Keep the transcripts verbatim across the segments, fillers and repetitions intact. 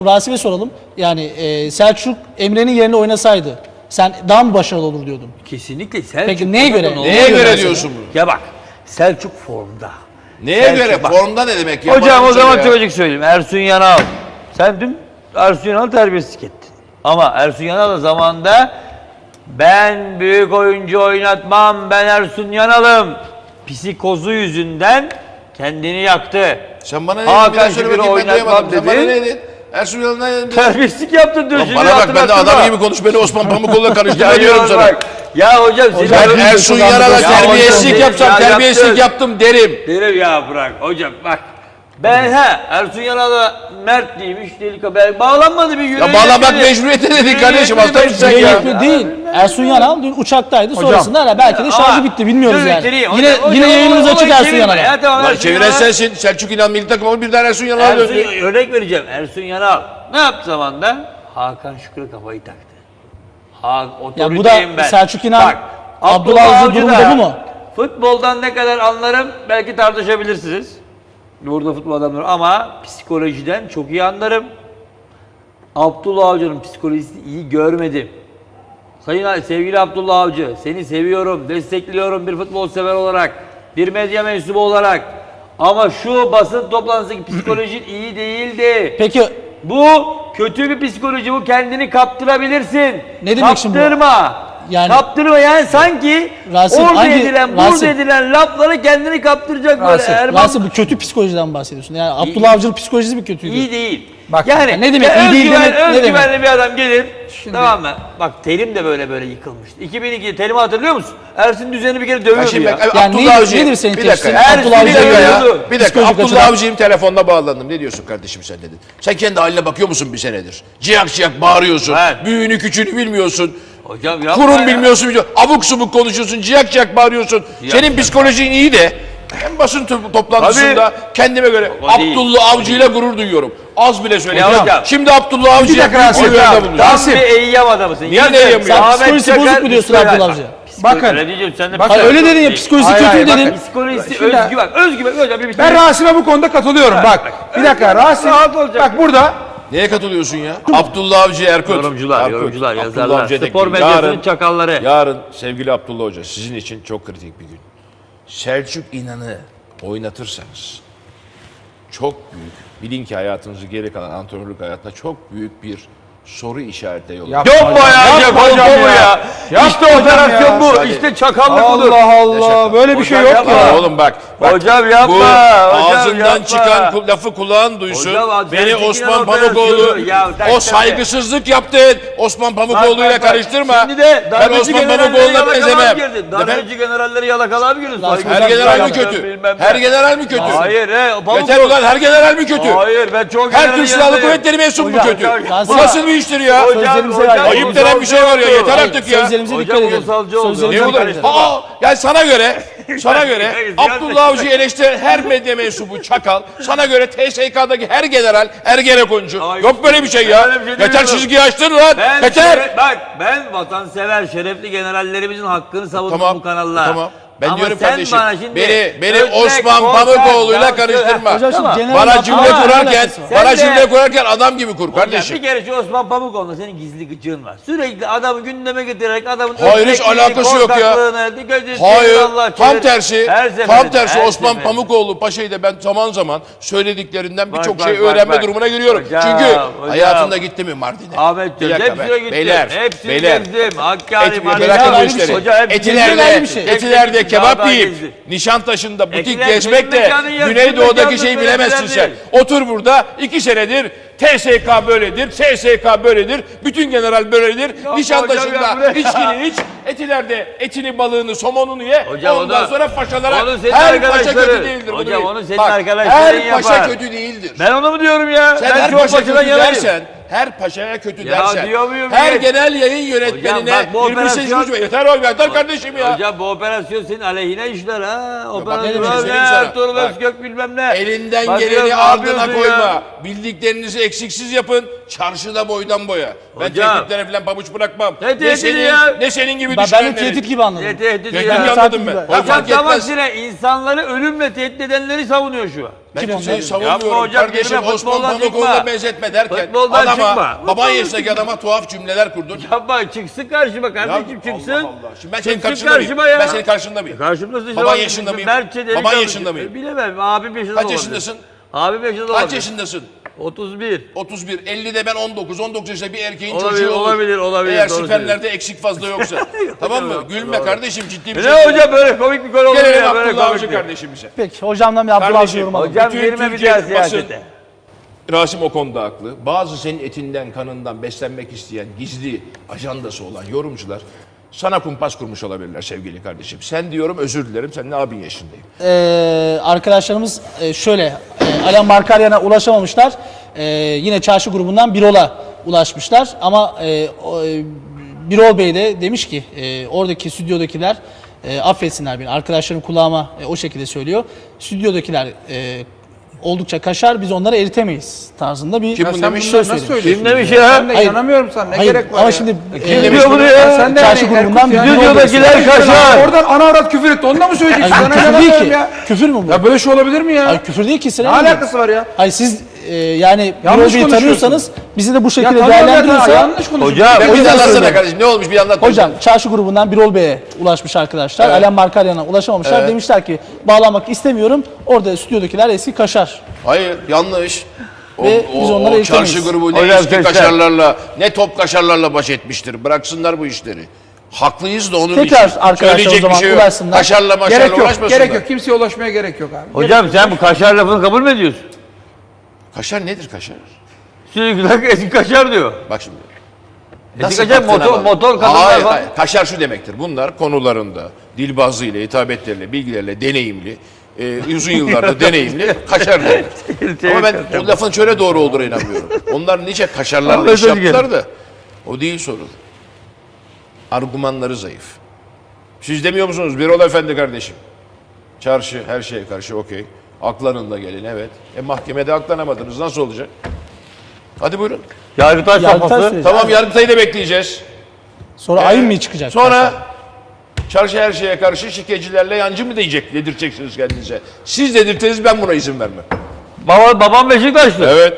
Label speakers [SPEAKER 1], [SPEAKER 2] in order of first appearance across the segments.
[SPEAKER 1] Rasim'e soralım. Yani e, Selçuk Emre'nin yerine oynasaydı sen daha mı başarılı olur diyordun?
[SPEAKER 2] Kesinlikle Selçuk.
[SPEAKER 1] Peki neye göre?
[SPEAKER 2] Neye,
[SPEAKER 3] Neye göre
[SPEAKER 1] mesela?
[SPEAKER 3] diyorsun bunu?
[SPEAKER 2] Ya bak Selçuk formda.
[SPEAKER 3] Neye
[SPEAKER 2] Selçuk
[SPEAKER 3] göre?
[SPEAKER 2] bak.
[SPEAKER 3] Formda ne demek ya?
[SPEAKER 2] Hocam
[SPEAKER 3] Bana
[SPEAKER 2] o
[SPEAKER 3] söyle
[SPEAKER 2] zaman
[SPEAKER 3] ya.
[SPEAKER 2] çok açık söyleyeyim. Ersun Yanal. Sen dün Ersun Yanal'ı terbiyesizlik ettin. Ama Ersun Yanal da zamanında ben büyük oyuncu oynatmam, ben Ersun Yanal'ım psikozu yüzünden kendini yaktı.
[SPEAKER 3] Sen bana ne dedin? Bir
[SPEAKER 2] Hakan
[SPEAKER 3] daha söyle
[SPEAKER 2] Şükür'ü
[SPEAKER 3] bakayım, ben
[SPEAKER 2] oynatmam
[SPEAKER 3] duyamadım. Sen bana ne
[SPEAKER 2] dedi.
[SPEAKER 3] dedin? Ersun Yanal'a ne dedin?
[SPEAKER 2] Terbiyesizlik yaptın dün.
[SPEAKER 3] Lan
[SPEAKER 2] şimdi
[SPEAKER 3] bana bak, ben de
[SPEAKER 2] hatırlattırma.
[SPEAKER 3] adam gibi konuş, beni Osman Pamukoğlu'na karıştırma
[SPEAKER 2] Ya
[SPEAKER 3] diyorum
[SPEAKER 2] Yanal
[SPEAKER 3] sana.
[SPEAKER 2] bak. Ya hocam,
[SPEAKER 1] Hocam,
[SPEAKER 2] seni-
[SPEAKER 3] Ben Ersun
[SPEAKER 1] Ya
[SPEAKER 3] Yanal'a
[SPEAKER 1] hocam,
[SPEAKER 3] terbiyesizlik
[SPEAKER 2] hocam,
[SPEAKER 3] yapsam
[SPEAKER 2] ya
[SPEAKER 3] terbiyesizlik
[SPEAKER 2] yaptın.
[SPEAKER 3] yaptım derim.
[SPEAKER 2] Derim ya bırak hocam bak. Ben ha Ersun Yanal'a Mert değilmiş delik ben bağlanmadı bir yürüyün.
[SPEAKER 3] Ya bağlamak mecburiyeti dedik kardeşim, hasta mısın sen ya?
[SPEAKER 1] Yönetmen değil. Ersun Yanal dün uçaktaydı. Sonrasında hala belki de şarjı bitti. Bilmiyoruz yani. Yine yine yayınımız açık Ersun Yanal'a.
[SPEAKER 3] Lan çeviren sensin. Selçuk İnan milli takımı birden Ersun Yanal'a
[SPEAKER 2] Ersun,
[SPEAKER 3] döndü.
[SPEAKER 2] örnek vereceğim. Ersun Yanal ne yaptı zamanda? Hakan Şükür'e kafayı taktı. Ha,
[SPEAKER 1] Ya bu
[SPEAKER 2] otoriteyim
[SPEAKER 1] da
[SPEAKER 2] ben.
[SPEAKER 1] Selçuk İnan,
[SPEAKER 2] Bak,
[SPEAKER 1] Abdullah Avcı durumu
[SPEAKER 2] da
[SPEAKER 1] da bu mu?
[SPEAKER 2] Futboldan ne kadar anlarım belki tartışabilirsiniz. Burada futbol adamları ama psikolojiden çok iyi anlarım. Abdullah Avcı'nın psikolojisini iyi görmedim. Sayın sevgili Abdullah Avcı, seni seviyorum, destekliyorum bir futbol sever olarak, bir medya mensubu olarak. Ama şu basın toplantısındaki psikolojin iyi değildi.
[SPEAKER 1] Peki
[SPEAKER 2] Bu kötü bir psikoloji, bu kendini kaptırabilirsin.
[SPEAKER 1] Ne demek şimdi bu?
[SPEAKER 2] Kaptırma.
[SPEAKER 1] Yani-
[SPEAKER 2] Kaptırma yani sanki
[SPEAKER 1] Rasim,
[SPEAKER 2] orada
[SPEAKER 1] hangi-
[SPEAKER 2] edilen,
[SPEAKER 1] Rasim-
[SPEAKER 2] burada edilen lafları kendini kaptıracak böyle.
[SPEAKER 1] Rasim,
[SPEAKER 2] Erman
[SPEAKER 1] Rasim bu kötü psikolojiden bahsediyorsun. Yani Abdullah Avcı'nın psikolojisi mi kötüydü?
[SPEAKER 2] iyi değil.
[SPEAKER 1] Bak,
[SPEAKER 2] yani
[SPEAKER 1] ne demek
[SPEAKER 2] ya
[SPEAKER 1] iyi değil
[SPEAKER 2] özgüven-
[SPEAKER 1] demek, ne
[SPEAKER 2] özgüvenli bir adam gelir. Tamam mı? Bak Terim de böyle böyle yıkılmıştı. iki bin ikide Terim'i hatırlıyor musun? Ersin Düzen'i bir kere
[SPEAKER 3] Ya
[SPEAKER 2] dövüyordu
[SPEAKER 3] şimdi
[SPEAKER 2] ya.
[SPEAKER 3] bak,
[SPEAKER 1] Yani
[SPEAKER 3] Abdullah
[SPEAKER 1] nedir-
[SPEAKER 3] Avcı.
[SPEAKER 1] nedir senin
[SPEAKER 3] Bir dakika.
[SPEAKER 1] tepsin?
[SPEAKER 3] ya.
[SPEAKER 1] Abdullah
[SPEAKER 3] Bir
[SPEAKER 1] Avcı'ya
[SPEAKER 3] dakika ya.
[SPEAKER 2] yürüyordu.
[SPEAKER 3] Bir dakika.
[SPEAKER 1] Psikolojik
[SPEAKER 3] Abdullah
[SPEAKER 1] açıdan.
[SPEAKER 3] Avcı'yım telefonda bağlandım. Ne diyorsun kardeşim sen dedin. Sen kendi haline bakıyor musun bir senedir? Ciyak ciyak bağırıyorsun.
[SPEAKER 2] Evet.
[SPEAKER 3] Büyüğünü küçüğünü bilmiyorsun.
[SPEAKER 2] Hocam yapma
[SPEAKER 3] Kurum
[SPEAKER 2] ya.
[SPEAKER 3] bilmiyorsun, bilmiyorsun. Abuk subuk konuşuyorsun, ciyak ciyak bağırıyorsun. Senin
[SPEAKER 2] ciyak
[SPEAKER 3] psikolojin iyi de en basın to- toplantısında kendime göre
[SPEAKER 2] O değil.
[SPEAKER 3] Abdullah Avcı ile gurur duyuyorum. Az bile söyleyeyim.
[SPEAKER 2] Ya hocam.
[SPEAKER 3] Şimdi Abdullah Avcı'ya
[SPEAKER 1] dakika
[SPEAKER 3] büyük
[SPEAKER 1] Rasim.
[SPEAKER 3] oylarda
[SPEAKER 2] Hocam,
[SPEAKER 3] bulunuyor.
[SPEAKER 2] tam
[SPEAKER 1] Rasim.
[SPEAKER 2] bir eyyam adamısın.
[SPEAKER 3] Niye
[SPEAKER 2] Yazın,
[SPEAKER 3] eyyam ya?
[SPEAKER 2] Ahmet
[SPEAKER 1] Psikolojisi
[SPEAKER 2] Çakar,
[SPEAKER 1] bozuk mu diyorsun
[SPEAKER 2] psikoloji-
[SPEAKER 1] Abdullah Avcı?
[SPEAKER 2] Bakın.
[SPEAKER 4] Bakın.
[SPEAKER 2] Öyle diyeceğim, sen de
[SPEAKER 4] Bakın.
[SPEAKER 1] Hayır, öyle dedin ya, psikolojisi
[SPEAKER 4] Hayır,
[SPEAKER 1] kötü
[SPEAKER 4] hayır,
[SPEAKER 1] dedin.
[SPEAKER 4] bakın.
[SPEAKER 2] Psikolojisi,
[SPEAKER 4] Şimdi-
[SPEAKER 2] özgüven. Özgüven hocam bir bitir.
[SPEAKER 4] Ben Rasim'e bu konuda katılıyorum. Bak bir dakika Rasim.
[SPEAKER 2] Rahat olacak.
[SPEAKER 4] Bak burada
[SPEAKER 3] Neye katılıyorsun ya? Abdullah Avcı Erkut.
[SPEAKER 2] Yorumcular,
[SPEAKER 3] Erkut.
[SPEAKER 2] yorumcular,
[SPEAKER 3] Abdullah
[SPEAKER 2] yazarlar.
[SPEAKER 3] Avcı'ya da
[SPEAKER 2] Spor
[SPEAKER 3] ekleyin.
[SPEAKER 2] medyasının
[SPEAKER 3] Yarın-
[SPEAKER 2] çakalları.
[SPEAKER 3] Yarın sevgili Abdullah Hoca sizin için çok kritik bir gün. Selçuk İnan'ı oynatırsanız çok büyük, bilin ki hayatınızı geri kalan antrenörlük hayatına çok büyük bir soru işareti yolu.
[SPEAKER 4] Yap-
[SPEAKER 2] Yapma ya,
[SPEAKER 4] Yapma
[SPEAKER 2] yapma
[SPEAKER 4] hocam
[SPEAKER 2] bu
[SPEAKER 4] ya.
[SPEAKER 2] ya.
[SPEAKER 4] Yapma
[SPEAKER 2] İşte
[SPEAKER 4] hocam
[SPEAKER 2] operasyon
[SPEAKER 4] ya.
[SPEAKER 2] bu,
[SPEAKER 3] Hadi.
[SPEAKER 2] işte çakallık budur.
[SPEAKER 4] Allah Allah böyle bir şey
[SPEAKER 2] Hocam
[SPEAKER 4] yok
[SPEAKER 2] yapma.
[SPEAKER 4] ya.
[SPEAKER 3] Oğlum bak, bak
[SPEAKER 2] Hocam yapma,
[SPEAKER 3] bu
[SPEAKER 2] hocam
[SPEAKER 3] ağzından
[SPEAKER 2] yapma.
[SPEAKER 3] çıkan ku- lafı kulağın duysun.
[SPEAKER 2] Hocam, abi,
[SPEAKER 3] Beni
[SPEAKER 2] Selçuk
[SPEAKER 3] Osman
[SPEAKER 2] İnan
[SPEAKER 3] Pamukoğlu
[SPEAKER 2] operasyonu. Ya, tak,
[SPEAKER 3] o
[SPEAKER 2] tak,
[SPEAKER 3] saygısızlık yaptın. Osman Pamukoğlu'yla
[SPEAKER 2] Bak, bak, bak.
[SPEAKER 3] karıştırma.
[SPEAKER 2] Şimdi de
[SPEAKER 3] Ben
[SPEAKER 2] darbeci
[SPEAKER 3] Osman
[SPEAKER 2] generalleri
[SPEAKER 3] Pamukoğlu'na
[SPEAKER 2] yalakalığa
[SPEAKER 3] benzemem.
[SPEAKER 2] girdin.
[SPEAKER 3] Efendim?
[SPEAKER 2] Darbeci generalleri yalakalığa mı girdin?
[SPEAKER 1] Her
[SPEAKER 3] Her general mi
[SPEAKER 2] Saygısızlık
[SPEAKER 3] kötü?
[SPEAKER 2] bilmem ne.
[SPEAKER 3] Her general mi kötü?
[SPEAKER 2] Hayır he. Pamuk-
[SPEAKER 3] Beter olan her general mi kötü?
[SPEAKER 2] Hayır ben çok
[SPEAKER 3] Her
[SPEAKER 2] generalin
[SPEAKER 3] Türk Silahlı
[SPEAKER 2] yanındayım.
[SPEAKER 3] Kuvvetleri mensubu mu
[SPEAKER 2] Hocam,
[SPEAKER 3] kötü?
[SPEAKER 2] hocam,
[SPEAKER 3] Bu nasıl bir iştir ya?
[SPEAKER 2] Hocam,
[SPEAKER 1] Sözlerimize
[SPEAKER 2] hocam,
[SPEAKER 1] ait.
[SPEAKER 3] Ayıp
[SPEAKER 2] ulusalcı
[SPEAKER 3] denen bir şey var ya,
[SPEAKER 2] oldu.
[SPEAKER 3] yeter artık ya.
[SPEAKER 1] Sözlerimize dikkat
[SPEAKER 2] Hocam,
[SPEAKER 1] edelim.
[SPEAKER 2] ulusalcı oldu.
[SPEAKER 1] Sözlerimize
[SPEAKER 3] Ne
[SPEAKER 2] Hocam,
[SPEAKER 3] olur?
[SPEAKER 1] dikkat edelim.
[SPEAKER 3] Aa, yani sana göre, sana göre
[SPEAKER 2] Hayır,
[SPEAKER 3] Abdullah Avcı eleştiren her medya mensubu çakal, sana göre T S K'daki her general ergenekoncu.
[SPEAKER 2] Hayır.
[SPEAKER 3] Yok böyle bir şey ya.
[SPEAKER 2] Öyle bir şey
[SPEAKER 3] Yeter
[SPEAKER 2] demiyorum.
[SPEAKER 3] çizgiyi açtın lan.
[SPEAKER 2] Ben
[SPEAKER 3] Yeter.
[SPEAKER 2] şeref- bak ben vatansever, şerefli generallerimizin hakkını savundum
[SPEAKER 3] Tamam,
[SPEAKER 2] bu kanallar.
[SPEAKER 3] tamam. Ben
[SPEAKER 2] Ama
[SPEAKER 3] diyorum
[SPEAKER 2] sen
[SPEAKER 3] kardeşim,
[SPEAKER 2] bana şimdi
[SPEAKER 3] beni beni
[SPEAKER 2] örnek,
[SPEAKER 3] Osman
[SPEAKER 2] korkak,
[SPEAKER 3] Pamukoğlu'yla
[SPEAKER 2] yansın-
[SPEAKER 3] karıştırma.
[SPEAKER 1] Hocam şimdi
[SPEAKER 2] Tamam.
[SPEAKER 1] genel
[SPEAKER 3] Bana
[SPEAKER 1] laf-
[SPEAKER 3] cümle
[SPEAKER 1] Ama
[SPEAKER 3] kurarken,
[SPEAKER 1] alakası var.
[SPEAKER 3] bana
[SPEAKER 2] Sen de-
[SPEAKER 3] cümle kurarken adam gibi kur
[SPEAKER 2] Hocam,
[SPEAKER 3] kardeşim.
[SPEAKER 2] bir kere şu Osman Pamukoğlu'nda senin gizli gıcığın var. Sürekli adamı gündeme getirerek adamın
[SPEAKER 3] Hayır, hiç
[SPEAKER 2] örnekliğini,
[SPEAKER 3] alakası yok ya.
[SPEAKER 2] korkaklığını, dikkat edin,
[SPEAKER 3] Hayır,
[SPEAKER 2] Allah
[SPEAKER 3] tam
[SPEAKER 2] çevir-
[SPEAKER 3] tersi,
[SPEAKER 2] Her
[SPEAKER 3] tam
[SPEAKER 2] seferinde,
[SPEAKER 3] tersi
[SPEAKER 2] her
[SPEAKER 3] Osman
[SPEAKER 2] seferinde.
[SPEAKER 3] Pamukoğlu Paşa'yı da ben zaman zaman söylediklerinden
[SPEAKER 2] Bak,
[SPEAKER 3] birçok
[SPEAKER 2] bak,
[SPEAKER 3] şey
[SPEAKER 2] bak,
[SPEAKER 3] öğrenme
[SPEAKER 2] bak.
[SPEAKER 3] durumuna giriyorum.
[SPEAKER 2] Hocam,
[SPEAKER 3] Çünkü
[SPEAKER 2] hocam.
[SPEAKER 3] hayatında gitti mi Mardin'e?
[SPEAKER 2] Ahmetciğim
[SPEAKER 3] Bir dakika
[SPEAKER 2] hepsine
[SPEAKER 3] be.
[SPEAKER 2] gittim.
[SPEAKER 3] Beyler,
[SPEAKER 2] Hepsini
[SPEAKER 3] beyler.
[SPEAKER 2] gezdim. Hakkari,
[SPEAKER 3] Et,
[SPEAKER 2] Mardin,
[SPEAKER 3] bırakın bu
[SPEAKER 1] ayrı bir
[SPEAKER 3] işleri.
[SPEAKER 1] şey.
[SPEAKER 2] Hoca hep
[SPEAKER 3] Etilerde,
[SPEAKER 1] ayrı bir şey.
[SPEAKER 3] etilerde
[SPEAKER 2] Hepsi
[SPEAKER 3] kebap
[SPEAKER 2] daha
[SPEAKER 3] yiyip
[SPEAKER 2] gezdi.
[SPEAKER 3] Nişantaşı'nda butik
[SPEAKER 2] Etiler
[SPEAKER 3] gezmek de
[SPEAKER 2] senin mekanın yarısı,
[SPEAKER 3] Güneydoğu'daki
[SPEAKER 2] mekanın
[SPEAKER 3] şeyi
[SPEAKER 2] böyle
[SPEAKER 3] bilemezsin
[SPEAKER 2] falan
[SPEAKER 3] sen.
[SPEAKER 2] değil.
[SPEAKER 3] Otur burada iki senedir T S K böyledir, S S K böyledir, bütün general böyledir.
[SPEAKER 2] hocam
[SPEAKER 3] Nişantaşı'nda
[SPEAKER 2] ya, bu ne?
[SPEAKER 3] içkini iç, etilerde etini, balığını, somonunu ye.
[SPEAKER 2] Hocam o
[SPEAKER 3] ondan
[SPEAKER 2] da-
[SPEAKER 3] sonra paşalara
[SPEAKER 2] onun senin
[SPEAKER 3] her paşa
[SPEAKER 2] arkadaşları.
[SPEAKER 3] kötü değildir. bunu
[SPEAKER 2] Hocam
[SPEAKER 3] bil.
[SPEAKER 2] onun senin
[SPEAKER 3] Bak,
[SPEAKER 2] arkadaşların
[SPEAKER 3] her paşa
[SPEAKER 2] yapar.
[SPEAKER 3] kötü değildir.
[SPEAKER 2] Ben onu mu diyorum ya?
[SPEAKER 3] Sen
[SPEAKER 2] ben
[SPEAKER 3] her
[SPEAKER 2] çok
[SPEAKER 3] paşa
[SPEAKER 2] başından
[SPEAKER 3] kötü
[SPEAKER 2] yanayım.
[SPEAKER 3] dersen, her paşaya kötü
[SPEAKER 2] Ya
[SPEAKER 3] dersen,
[SPEAKER 2] diyor muyum
[SPEAKER 3] her
[SPEAKER 2] ya?
[SPEAKER 3] genel yayın yönetmenine
[SPEAKER 2] bak bu
[SPEAKER 3] birbirine
[SPEAKER 2] operasyon-
[SPEAKER 3] suçlu- yeter oğlum yeter kardeşim ya.
[SPEAKER 2] Hocam bu operasyon senin aleyhine işler ha.
[SPEAKER 3] ne demek
[SPEAKER 2] Operasyon
[SPEAKER 3] söyleyeyim
[SPEAKER 2] ne?
[SPEAKER 3] sana.
[SPEAKER 2] Ertuğrul
[SPEAKER 3] Bak.
[SPEAKER 2] Özgök bilmem ne.
[SPEAKER 3] Elinden
[SPEAKER 2] Bak
[SPEAKER 3] geleni
[SPEAKER 2] ya, ne
[SPEAKER 3] ardına
[SPEAKER 2] yapıyorsun
[SPEAKER 3] koyma.
[SPEAKER 2] ya?
[SPEAKER 3] Bildiklerinizi eksiksiz yapın. Çarşıda boydan boya. Ben
[SPEAKER 2] Hocam.
[SPEAKER 3] tehditlere falan pabuç bırakmam.
[SPEAKER 2] Ne
[SPEAKER 3] Ne
[SPEAKER 2] tehdidi
[SPEAKER 3] senin,
[SPEAKER 2] ya?
[SPEAKER 3] ne senin gibi
[SPEAKER 1] Ben, ben de
[SPEAKER 3] düşünenlerin.
[SPEAKER 1] tehdit gibi anladım.
[SPEAKER 2] Ne tehdidi
[SPEAKER 3] Tehdit
[SPEAKER 2] ya?
[SPEAKER 3] anladım ben. Ya
[SPEAKER 2] Hocam
[SPEAKER 3] fark
[SPEAKER 2] tam
[SPEAKER 3] etmez.
[SPEAKER 2] aksine insanları ölümle tehdit edenleri savunuyor şu an.
[SPEAKER 3] Ben
[SPEAKER 1] Kim
[SPEAKER 3] kimseyi
[SPEAKER 1] onlar?
[SPEAKER 3] savunmuyorum.
[SPEAKER 2] Yapma hocam,
[SPEAKER 3] Kardeşim
[SPEAKER 2] girme,
[SPEAKER 3] Osman
[SPEAKER 2] futboldan
[SPEAKER 3] Pamukoğlu'na
[SPEAKER 2] çıkma.
[SPEAKER 3] benzetme derken
[SPEAKER 2] Futboldan
[SPEAKER 3] adama,
[SPEAKER 2] çıkma.
[SPEAKER 3] baban
[SPEAKER 2] Futboldan
[SPEAKER 3] yaşındaki adama tuhaf cümleler kurdun.
[SPEAKER 2] Yapma, çıksın karşıma
[SPEAKER 3] Ya
[SPEAKER 2] kardeşim, çıksın.
[SPEAKER 3] Allah Allah. Şimdi ben senin
[SPEAKER 2] Çıksın
[SPEAKER 3] karşında mıyım?
[SPEAKER 2] karşıma ya.
[SPEAKER 3] Ben senin karşında mıyım?
[SPEAKER 2] Karşımdasın işte.
[SPEAKER 3] Baban
[SPEAKER 2] bak,
[SPEAKER 3] yaşında mıyım?
[SPEAKER 2] Mertçe deli
[SPEAKER 3] Baban
[SPEAKER 2] kalmış.
[SPEAKER 3] yaşında mıyım?
[SPEAKER 2] Bilemem, abim yaşında
[SPEAKER 3] Kaç
[SPEAKER 2] olabilir.
[SPEAKER 3] yaşındasın?
[SPEAKER 2] Abim yaşında
[SPEAKER 3] Kaç
[SPEAKER 2] olabilir.
[SPEAKER 3] yaşındasın?
[SPEAKER 2] otuz bir.
[SPEAKER 3] otuz bir. ellide ben on dokuz. on dokuz yaşında bir erkeğin
[SPEAKER 2] Olabilir,
[SPEAKER 3] çocuğu olur.
[SPEAKER 2] olabilir, olabilir,
[SPEAKER 3] Eğer
[SPEAKER 2] doğru
[SPEAKER 3] spermlerde eksik fazla yoksa. Tamam mı?
[SPEAKER 2] Doğru,
[SPEAKER 3] Gülme
[SPEAKER 2] doğru.
[SPEAKER 3] kardeşim, ciddi bir
[SPEAKER 2] Ne
[SPEAKER 3] şey.
[SPEAKER 2] hocam, böyle komik bir konu olur
[SPEAKER 3] Gelelim
[SPEAKER 2] ya, böyle
[SPEAKER 3] Abdullah
[SPEAKER 2] komik
[SPEAKER 3] Avcı
[SPEAKER 2] bir.
[SPEAKER 3] kardeşimize.
[SPEAKER 1] Peki hocamdan bir Abdullah
[SPEAKER 3] Kardeşim,
[SPEAKER 1] yorum alalım.
[SPEAKER 2] Hocam
[SPEAKER 3] Bütün
[SPEAKER 2] girme bir
[SPEAKER 3] Türkiye
[SPEAKER 2] daha
[SPEAKER 3] basın-
[SPEAKER 2] siyasete.
[SPEAKER 3] Rasim o konuda haklı. Bazı senin etinden, kanından beslenmek isteyen, gizli ajandası olan yorumcular sana kumpas kurmuş olabilirler sevgili kardeşim. Sen diyorum özür dilerim, senin abin yaşındayım.
[SPEAKER 1] Ee, arkadaşlarımız e, şöyle, e, Alan Markaryan'a ulaşamamışlar. E, yine çarşı grubundan Birol'a ulaşmışlar. Ama e, o, e, Birol Bey de demiş ki e, oradaki stüdyodakiler e, affetsinler beni. Arkadaşlarım kulağıma e, o şekilde söylüyor. Stüdyodakiler e, oldukça kaşar, biz onları eritemeyiz tarzında bir
[SPEAKER 3] Kim
[SPEAKER 4] Ya
[SPEAKER 3] bunu
[SPEAKER 4] sen
[SPEAKER 3] demiş?
[SPEAKER 4] bunları
[SPEAKER 1] söz
[SPEAKER 4] nasıl
[SPEAKER 1] söylüyor.
[SPEAKER 4] söylüyorsun?
[SPEAKER 2] Kim demiş
[SPEAKER 4] ya?
[SPEAKER 2] ya?
[SPEAKER 4] Ben de
[SPEAKER 1] Hayır.
[SPEAKER 4] inanamıyorum sana. Ne
[SPEAKER 1] Hayır,
[SPEAKER 4] gerek var
[SPEAKER 1] ama
[SPEAKER 4] ya?
[SPEAKER 1] şimdi
[SPEAKER 2] Kim
[SPEAKER 1] e,
[SPEAKER 2] diyor bunu ya?
[SPEAKER 4] Ya sen de
[SPEAKER 1] çarşı
[SPEAKER 4] yani
[SPEAKER 1] grubundan
[SPEAKER 4] Erkut
[SPEAKER 1] bir
[SPEAKER 4] yani-
[SPEAKER 1] Birol Bey
[SPEAKER 2] Stüdyodakiler
[SPEAKER 1] söylüyor.
[SPEAKER 2] kaşar.
[SPEAKER 4] Oradan ana avrat küfür etti. Onu da mı söyleyeceksin?
[SPEAKER 1] Ay,
[SPEAKER 4] Ben
[SPEAKER 1] küfür değil
[SPEAKER 4] inanamıyorum
[SPEAKER 1] ki.
[SPEAKER 4] ya.
[SPEAKER 1] Küfür mü bu?
[SPEAKER 4] Ya böyle şey olabilir mi ya?
[SPEAKER 1] Ay, küfür değil ki.
[SPEAKER 4] Ne
[SPEAKER 1] Sinan Bey.
[SPEAKER 4] alakası var ya?
[SPEAKER 1] Hayır siz e, yani
[SPEAKER 4] Yanlış
[SPEAKER 1] Birol Bey'i
[SPEAKER 4] konuşuyorsun.
[SPEAKER 1] tanıyorsanız bizi de bu
[SPEAKER 4] Ya
[SPEAKER 1] şekilde
[SPEAKER 4] tanıyorum ya,
[SPEAKER 1] değerlendiriyorsa
[SPEAKER 4] yanlış konuşuyorsun.
[SPEAKER 2] Hocam,
[SPEAKER 3] Ben
[SPEAKER 1] O
[SPEAKER 3] bir
[SPEAKER 1] yüzden
[SPEAKER 3] anlatsana
[SPEAKER 1] söylüyorum.
[SPEAKER 3] kardeşim, ne olmuş bir anlat.
[SPEAKER 1] Hocam çarşı grubundan Birol Bey'e ulaşmış arkadaşlar.
[SPEAKER 3] Evet.
[SPEAKER 1] Alan Markaryan'a ulaşamamışlar.
[SPEAKER 3] Evet.
[SPEAKER 1] Demişler ki bağlanmak istemiyorum. Orada stüdyodakiler eski kaşar.
[SPEAKER 3] Hayır, yanlış. O,
[SPEAKER 1] Ve
[SPEAKER 3] o,
[SPEAKER 1] biz onları
[SPEAKER 3] o
[SPEAKER 1] eğitemeyiz.
[SPEAKER 3] çarşı grubu ne
[SPEAKER 2] Hocam
[SPEAKER 3] eski
[SPEAKER 2] sesler.
[SPEAKER 3] kaşarlarla, ne top kaşarlarla baş etmiştir. Bıraksınlar bu işleri. Haklıyız da onun
[SPEAKER 1] Tekrar
[SPEAKER 3] için.
[SPEAKER 1] arkadaşlar
[SPEAKER 3] Söyleyecek
[SPEAKER 1] o zaman
[SPEAKER 3] bir şey yok.
[SPEAKER 1] ulaşsınlar.
[SPEAKER 3] Kaşarla maşarla
[SPEAKER 4] Gerek yok.
[SPEAKER 3] uğraşmasınlar.
[SPEAKER 4] Gerek yok. Kimseye ulaşmaya gerek yok abi.
[SPEAKER 2] Hocam sen bu kaşar lafını kabul mü ediyorsun?
[SPEAKER 3] Kaşar nedir kaşar?
[SPEAKER 2] Sürekli eski kaşar diyor.
[SPEAKER 3] Bak şimdi.
[SPEAKER 2] Eski kaşar
[SPEAKER 3] baktığına
[SPEAKER 2] motor,
[SPEAKER 3] bak.
[SPEAKER 2] motor kadınlar
[SPEAKER 3] Hayır,
[SPEAKER 2] falan.
[SPEAKER 3] hayır. Kaşar şu demektir. Bunlar konularında dilbazlığıyla, hitabetleriyle, bilgilerle deneyimli, e, uzun yıllarda deneyimli kaşar demek. Ama ben o lafın şöyle doğru olduğuna inanmıyorum. Onlar nice kaşarlarla
[SPEAKER 2] Ama
[SPEAKER 3] iş
[SPEAKER 2] özür
[SPEAKER 3] yaptılar da o değil sorun. Argümanları zayıf. Siz demiyor musunuz Birol Efendi kardeşim? Çarşı her şeye karşı okey. Aklanın da gelin evet. E mahkemede aklanamadınız nasıl olacak? Hadi buyurun.
[SPEAKER 2] Yargıtaş
[SPEAKER 1] Yargıtaş
[SPEAKER 2] safhası.
[SPEAKER 1] süreci.
[SPEAKER 3] Tamam Yargıtay'ı da bekleyeceğiz.
[SPEAKER 1] Sonra ayın mı çıkacak?
[SPEAKER 3] Sonra çarşı her şeye karşı şikecilerle yancı mı diyecek, dedirteceksiniz kendinize. Siz dedirteniz ben buna izin vermem.
[SPEAKER 2] Baba, babam Beşiktaşlı.
[SPEAKER 3] Evet.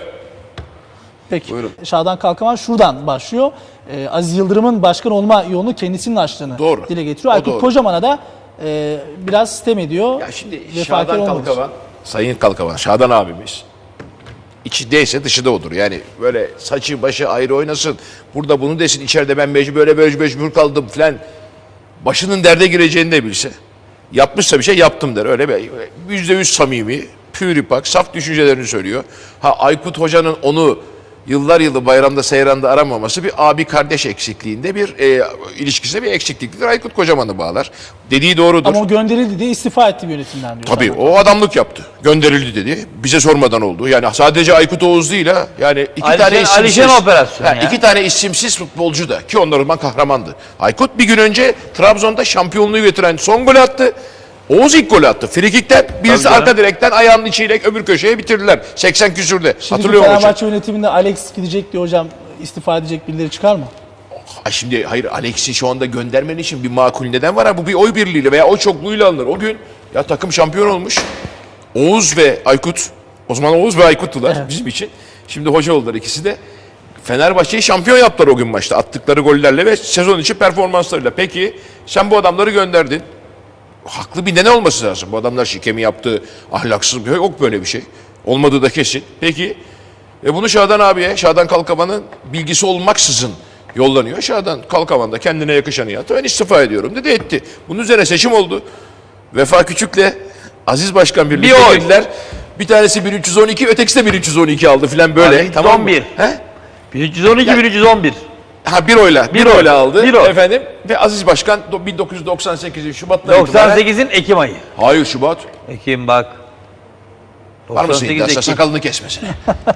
[SPEAKER 1] Peki.
[SPEAKER 3] Buyurun.
[SPEAKER 1] Şadan Kalkavan şuradan başlıyor. Ee, Aziz Yıldırım'ın başkan olma yolunu kendisinin açtığını
[SPEAKER 3] Doğru.
[SPEAKER 1] dile getiriyor.
[SPEAKER 3] O
[SPEAKER 1] Aykut
[SPEAKER 3] doğru.
[SPEAKER 1] Kocaman'a da e, biraz sitem ediyor.
[SPEAKER 3] Ya şimdi
[SPEAKER 1] Vefakar
[SPEAKER 3] Şadan
[SPEAKER 1] olmamış.
[SPEAKER 3] Kalkavan, Sayın Kalkavan, Şadan abimiz. İçindeyse dışı da odur. Yani böyle saçı başı ayrı oynasın. Burada bunu desin, içeride ben mecbur böyle böyle mecbur kaldım falan. Başının derde gireceğini de bilse. Yapmışsa bir şey yaptım der. Öyle bir yüzde yüz samimi, püripak, saf düşüncelerini söylüyor. Ha Aykut Hoca'nın onu yıllar yılı bayramda seyranda aramaması bir abi kardeş eksikliğinde bir e, ilişkisine bir eksikliktir. Aykut Kocaman'ı bağlar. Dediği doğrudur.
[SPEAKER 1] Ama o gönderildi diye istifa etti bir yönetimden diyor.
[SPEAKER 3] Tabii
[SPEAKER 1] Şadan.
[SPEAKER 3] o adamlık yaptı. Gönderildi dedi. Bize sormadan oldu. Yani sadece Aykut Oğuz değil ha. Yani iki
[SPEAKER 2] Alişen-
[SPEAKER 3] tane isimsiz.
[SPEAKER 2] Alişen operasyonu
[SPEAKER 3] Ha,
[SPEAKER 2] ya.
[SPEAKER 3] iki tane isimsiz futbolcu da ki onlar o zaman kahramandı. Aykut bir gün önce Trabzon'da şampiyonluğu getiren son golü attı. Oğuz ilk golü attı. Frikikten birisi
[SPEAKER 2] Tabii
[SPEAKER 3] arka
[SPEAKER 2] canım.
[SPEAKER 3] direkten ayağının içiyle öbür köşeye bitirdiler. seksen küsürde.
[SPEAKER 1] Şimdi
[SPEAKER 3] Hatırlıyor musun?
[SPEAKER 1] Fenerbahçe yönetiminde Alex gidecek diye hocam istifa edecek birileri çıkar mı?
[SPEAKER 3] Ha şimdi hayır Alex'i şu anda göndermen için bir makul neden var ha. Bu bir oy birliğiyle veya oy çokluğuyla alınır. O gün ya takım şampiyon olmuş. Oğuz ve Aykut. O zaman Oğuz ve Aykut'tular
[SPEAKER 1] Evet.
[SPEAKER 3] bizim için. Şimdi hoca oldular ikisi de. Fenerbahçe'yi şampiyon yaptılar o gün maçta. Attıkları gollerle ve sezon içi performanslarıyla. Peki sen bu adamları gönderdin. Haklı bir neden olması lazım. Bu adamlar şike mi yaptı, ahlaksız mı? Yok böyle bir şey. Olmadığı da kesin. Peki e bunu Şadan abiye, Şadan Kalkavan'ın bilgisi olmaksızın yollanıyor. Şadan Kalkavan da kendine yakışanı yaptı. Ben istifa ediyorum dedi etti. Bunun üzerine seçim oldu. Vefa Küçük'le Aziz Başkan birlikte
[SPEAKER 2] Bir oy.
[SPEAKER 3] girdiler. Bir tanesi bin üç yüz on iki, ötekisi de bin üç yüz on iki aldı filan böyle.
[SPEAKER 2] Abi,
[SPEAKER 3] Tamam mı?
[SPEAKER 2] on bir.
[SPEAKER 3] He?
[SPEAKER 2] bin üç yüz on iki, bin üç yüz on bir.
[SPEAKER 3] Ha bir oyla, bir,
[SPEAKER 2] Bir oy.
[SPEAKER 3] oyla aldı
[SPEAKER 2] Bir oy.
[SPEAKER 3] efendim. Ve Aziz Başkan do- bin dokuz yüz doksan sekizin Şubat'tan itibaren.
[SPEAKER 2] doksan sekizin Ekim ayı.
[SPEAKER 3] Hayır Şubat.
[SPEAKER 2] Ekim bak.
[SPEAKER 3] Var mısın
[SPEAKER 2] doksan sekiz
[SPEAKER 3] iddiasına?
[SPEAKER 2] Ekim.
[SPEAKER 3] Sakalını kesmesine.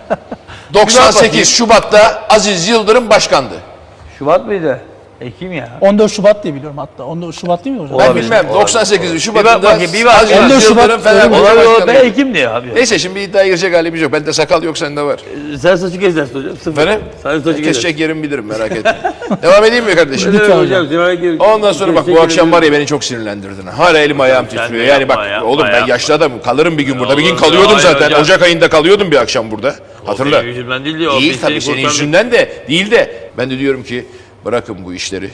[SPEAKER 3] doksan sekiz Şubat'ta Aziz Yıldırım başkandı.
[SPEAKER 2] Şubat mıydı? Ekim ya.
[SPEAKER 1] on dört Şubat diye biliyorum hatta. on dört Şubat değil mi hocam?
[SPEAKER 3] Ben
[SPEAKER 2] Olabilir,
[SPEAKER 3] bilmem.
[SPEAKER 2] olabilir.
[SPEAKER 3] doksan sekiz
[SPEAKER 2] Bir
[SPEAKER 3] Şubat'ında
[SPEAKER 2] bak bakayım, bir bak.
[SPEAKER 3] Aziz
[SPEAKER 1] on dört Şubat
[SPEAKER 3] Yıldırım Fenerbahçe
[SPEAKER 2] Olabilir, olabilir. Ben
[SPEAKER 3] başkanıydı.
[SPEAKER 2] Ekim diyor abi.
[SPEAKER 3] Neyse şimdi bir iddiaya girecek halimiz yok. Bende sakal yok sende var.
[SPEAKER 2] Sen saçı kes dersin hocam. Sıfır.
[SPEAKER 3] Efendim?
[SPEAKER 2] Sen saçı kes.
[SPEAKER 3] Kesecek yerim bilirim merak etme. Devam edeyim mi kardeşim?
[SPEAKER 2] Evet
[SPEAKER 1] Lütfen
[SPEAKER 2] hocam. Hocam.
[SPEAKER 3] Ondan sonra bak bu akşam var ya beni çok sinirlendirdin. Hala elim ayağım
[SPEAKER 2] Sen de
[SPEAKER 3] titriyor. Yani bak
[SPEAKER 2] yapma, yapma,
[SPEAKER 3] oğlum ben
[SPEAKER 2] yapma.
[SPEAKER 3] yaşlı adamım. Kalırım bir gün burada. Bir gün
[SPEAKER 2] olur,
[SPEAKER 3] kalıyordum
[SPEAKER 2] hayır
[SPEAKER 3] zaten.
[SPEAKER 2] hocam.
[SPEAKER 3] Ocak ayında kalıyordum bir akşam burada. Hatırla.
[SPEAKER 2] benim yüzümden değil diyor, o
[SPEAKER 3] Değil
[SPEAKER 2] biz
[SPEAKER 3] tabii
[SPEAKER 2] seni
[SPEAKER 3] senin
[SPEAKER 2] kurtardık.
[SPEAKER 3] yüzünden de değil de. Ben de diyorum ki bırakın bu işleri.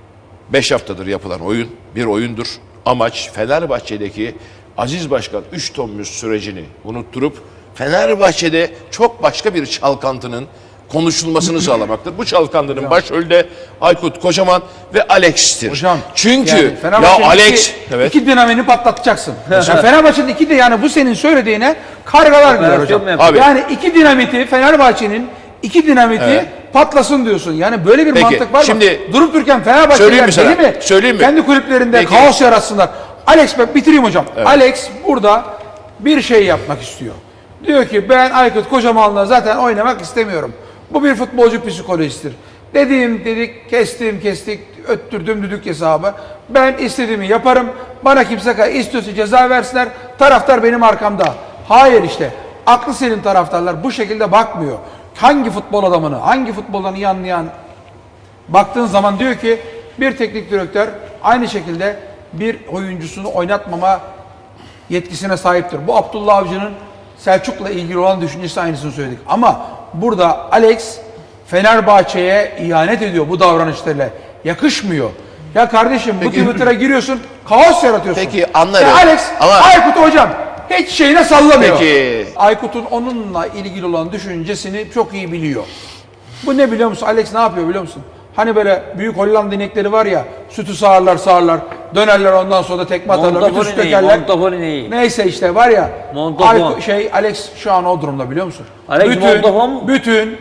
[SPEAKER 3] Beş haftadır yapılan oyun bir oyundur. Amaç Fenerbahçe'deki Aziz Başkan üç Tomuz sürecini unutturup Fenerbahçe'de çok başka bir çalkantının konuşulmasını sağlamaktır. Bu çalkantının başrolde Aykut Kocaman ve Alex'tir.
[SPEAKER 4] Hocam,
[SPEAKER 3] Çünkü
[SPEAKER 4] yani
[SPEAKER 3] ya
[SPEAKER 4] Fenerbahçe'nin
[SPEAKER 3] Alex
[SPEAKER 4] iki,
[SPEAKER 3] evet.
[SPEAKER 4] iki dinamini patlatacaksın. yani Fenerbahçe'nin iki de yani bu senin söylediğine kargalar gider
[SPEAKER 2] Operasyon
[SPEAKER 4] hocam.
[SPEAKER 2] mu yapıyor?
[SPEAKER 3] Abi.
[SPEAKER 4] Yani iki dinamiti Fenerbahçe'nin iki dinamiti
[SPEAKER 3] Evet.
[SPEAKER 4] patlasın diyorsun. Yani böyle bir
[SPEAKER 3] Peki,
[SPEAKER 4] mantık var mı?
[SPEAKER 3] şimdi
[SPEAKER 4] Durup dururken
[SPEAKER 3] söyleyeyim
[SPEAKER 4] Fenerbahçeliler
[SPEAKER 3] mi sana?
[SPEAKER 4] deli mi?
[SPEAKER 3] Söyleyeyim mi?
[SPEAKER 4] Kendi kulüplerinde
[SPEAKER 3] Peki.
[SPEAKER 4] kaos yaratsınlar. Alex bak bitireyim hocam. Alex burada bir şey yapmak istiyor. Diyor ki ben Aykut Kocaman'la zaten oynamak istemiyorum. Bu bir futbolcu psikolojisidir. Dediğim dedik, kestim kestik, öttürdüm düdük hesabı. Ben istediğimi yaparım. Bana kimse kay istiyorsa ceza versinler. Taraftar benim arkamda. Hayır işte. Aklı senin taraftarlar bu şekilde bakmıyor. Hangi futbol adamını, hangi futboldan iyi anlayan baktığın zaman diyor ki bir teknik direktör aynı şekilde bir oyuncusunu oynatmama yetkisine sahiptir. Bu Abdullah Avcı'nın Selçuk'la ilgili olan düşüncesi aynısını söyledik. Ama burada Alex Fenerbahçe'ye ihanet ediyor bu davranışlarıyla. Yakışmıyor. Ya kardeşim bu Twitter'a giriyorsun, kaos yaratıyorsun.
[SPEAKER 3] Peki, anlarım.
[SPEAKER 4] Ya Alex,
[SPEAKER 3] Ama-
[SPEAKER 4] Aykut hocam hiç şeyine sallamıyor.
[SPEAKER 3] Peki.
[SPEAKER 4] Aykut'un onunla ilgili olan düşüncesini çok iyi biliyor. Bu ne biliyor musun? Alex ne yapıyor biliyor musun? Hani böyle büyük Hollanda inekleri var ya, sütü sağarlar sağarlar, dönerler ondan sonra da tekme atarlar, bütün
[SPEAKER 2] Montafoni
[SPEAKER 4] süt
[SPEAKER 2] neyi?
[SPEAKER 4] dökerler.
[SPEAKER 2] Montafoni neyi?
[SPEAKER 4] Neyse işte var ya,
[SPEAKER 2] Montafon.
[SPEAKER 4] Aykut- şey Alex şu an o durumda biliyor musun?
[SPEAKER 2] Alex
[SPEAKER 4] bütün,
[SPEAKER 2] Montafon mu?
[SPEAKER 4] bütün,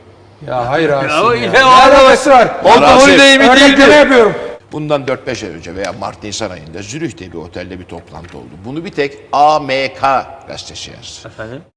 [SPEAKER 4] ya hayır Rasim
[SPEAKER 2] Ya,
[SPEAKER 4] ya.
[SPEAKER 2] işte
[SPEAKER 4] Ne
[SPEAKER 2] o adam-
[SPEAKER 4] alakası var?
[SPEAKER 3] Montafoni
[SPEAKER 2] değil mi,
[SPEAKER 4] Örnekleme
[SPEAKER 2] değildi.
[SPEAKER 4] yapıyorum.
[SPEAKER 3] Bundan dört beş ay önce veya Mart-Nisan ayında Zürih'te bir otelde bir toplantı oldu. Bunu bir tek A M K gazetesi yazdı.
[SPEAKER 2] Efendim?